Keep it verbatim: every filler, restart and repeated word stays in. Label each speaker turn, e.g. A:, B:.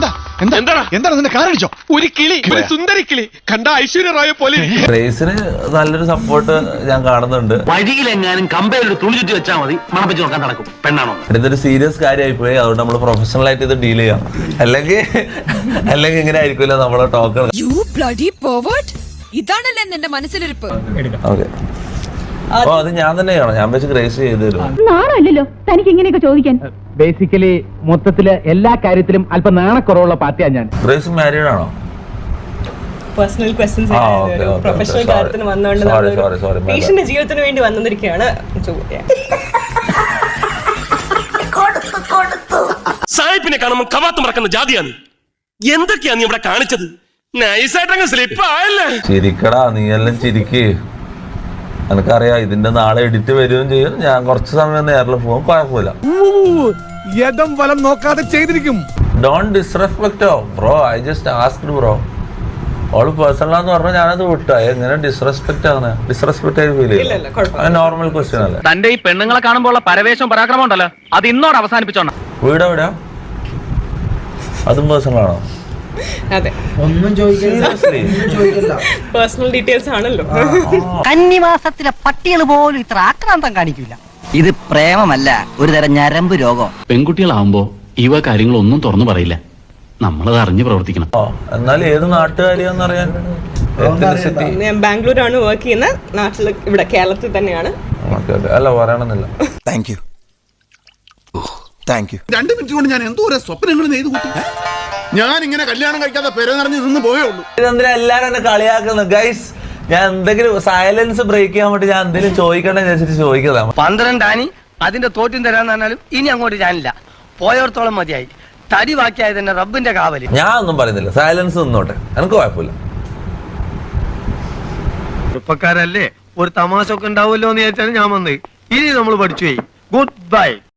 A: എന്താണ് നിന്റെ കാരടിച്ചോ? ഒരു കിളി, ഒരു സുന്ദരി കിളി കണ്ട ഐശ്വര്യ റായെ പോലെ.
B: ഗ്രേസിന് നല്ലൊരു സപ്പോർട്ട് ഞാൻ കാണുന്നുണ്ട്.
C: വഴിയിലെങ്ങാനും കമ്പയിൽ തുണി ചുറ്റി വെച്ചാൽ മതി, മണം വെച്ച് നോക്കാൻ നടക്കും. പെണ്ണാണോ?
B: ഇതൊരു സീരിയസ് കാര്യമായി പോയി. അതുകൊണ്ട് നമ്മൾ പ്രൊഫഷണൽ ആയിട്ട് ഇത് ഡീൽ ചെയ്യാം. അല്ലെങ്കിൽ അല്ലെങ്കിൽ ഇങ്ങനെ ആയിരിക്കില്ല നമ്മളെ ടോക്ക്.
D: ഇതാണല്ലേ നിന്റെ മനസ്സിലിരിപ്പ്.
B: ഓക്കെ, അപ്പൊ അത് ഞാൻ തന്നെ ചെയ്യണം. ഞാൻ വെച്ച് ഗ്രേസ് ചെയ്തു തരും.
E: നാണല്ലോ തനിക്ക് ഇങ്ങനെയൊക്കെ ചോദിക്കാൻ.
F: ബേസിക്കലി മൊത്തത്തില് എല്ലാ കാര്യത്തിലും അല്പം നാണക്കുറവുള്ള പാർട്ടിയാണ് ഞാൻ.
B: ഗ്രേസ് മാരീഡ് ആണോ?
G: പേഴ്സണൽ ക്വസ്റ്റ്യൻസ് പ്രൊഫഷണൽ കാര്യത്തിന് വന്നുകൊണ്ട് പേഷ്യന്റെ ജീവിതത്തിന് വേണ്ടി വന്നിരിക്കുകയാണ് ചോദ്യം.
H: സായിപ്പിനെ കാണുമ്പോൾ കവാത്ത് മറക്കുന്ന ജാതിയാണ്. എന്തൊക്കെയാ നീ ഇവിടെ കാണിച്ചത്? നൈസായിട്ടങ്ങ് സ്ലിപ്പ് ആയല്ലേ.
B: ചിരിക്കടാ, നീ എല്ലാം ചിരിക്ക്. എനിക്കറിയാം ഇതിന്റെ നാളെ എഡിറ്റ് വരികയും ചെയ്യും. ഞാൻ കുറച്ച് സമയം നേരിൽ പോകും, കുഴപ്പമില്ല.
A: വലം നോക്കാതെ ചെയ്തിരിക്കും.
B: Don't disrespect bro. I just asked bro. ഓള് പേഴ്സണലാന്ന് പറഞ്ഞാൽ ഞാനത് വിട്ടാ. എങ്ങനെ ഡിസ്റെസ്പെക്ട് ആണ്? ഡിസ്റെസ്പെക്ട് ആയി ഫീൽ ചെയ്യില്ല. നോർമൽ ക്വസ്റ്റ്യൻ അല്ലേ?
C: തന്റെ ഈ പെണ്ണുങ്ങളെ കാണുമ്പോൾ പരവേശം പരാക്രമം ഉണ്ടല്ലോ, അത് ഇന്നോട് അവസാനിപ്പിച്ചോണം.
B: വീട് എവിടെയാ? അതും പേഴ്സണൽ ആണോ?
G: അതെ,
F: ഒന്നും ചോദിക്കില്ല.
G: പേഴ്സണൽ ഡീറ്റെയിൽസ് ആണല്ലോ.
I: കന്നിമാസത്തിലെ പട്ടികൾ പോലും ഇത്ര ആക്രാന്തം കാണിക്കില്ല. ഇത് പ്രേമമല്ല, ഒരു തരം ഞരമ്പ് രോഗം.
C: പെൺകുട്ടികളാവുമ്പോ ഇവ കാര്യങ്ങളൊന്നും തുറന്നു പറയില്ല. നമ്മളത് അറിഞ്ഞു പ്രവർത്തിക്കണം.
B: എന്നാൽ ഏത് നാട്ടുകാരിയാന്ന് അറിയാൻ.
G: ഞാൻ ബാംഗ്ലൂരാണ് വർക്ക് ചെയ്യുന്നത്. നാട്ടിൽ ഇവിടെ കേരളത്തിൽ തന്നെയാണ്.
B: അല്ല പറയണമെന്നില്ല.
A: Thank you thank you. രണ്ട് മിനിറ്റ് കൊണ്ട് ഞാൻ എന്തോ സ്വപ്നങ്ങൾ നെയ്തു കൂട്ടി. ഞാൻ ഇങ്ങനെ കല്യാണം കഴിക്കാതെ പെര നിറഞ്ഞ് നിന്ന് പോയേ ഉള്ളൂ.
B: ഇതെന്തിനാ എല്ലാരും എന്നെ കളിയാക്കുന്നു ഗൈസ്? ഞാൻ എന്തെങ്കിലും സൈലൻസ് ബ്രേക്ക് ചെയ്യാൻ വേണ്ടി ഞാൻ എന്തെങ്കിലും ചോദിക്കണ്ടെന്ന് വെച്ചിട്ട് ചോദിക്കുന്നതാണ്.
I: പന്ത്രണ്ടാനി അതിന്റെ തോറ്റും തരാന്ന് പറഞ്ഞാലും ഇനി അങ്ങോട്ട് ഞാനില്ല. പോയോർത്തോളം മതിയായി. തടി ബാക്കിയായത് തന്നെ റബ്ബിന്റെ കാവല്.
B: ഞാൻ ഒന്നും പറയുന്നില്ല, സൈലൻസ് നിന്നോട്ടെ, എനിക്ക് കുഴപ്പമില്ല.
F: ചെറുപ്പക്കാരല്ലേ, ഒരു തമാശ ഒക്കെ ഉണ്ടാവുമല്ലോ എന്ന് വിചാരിച്ചാണ് ഞാൻ വന്നത്. ഇനി നമ്മൾ പഠിച്ചു പോയി. Good bye.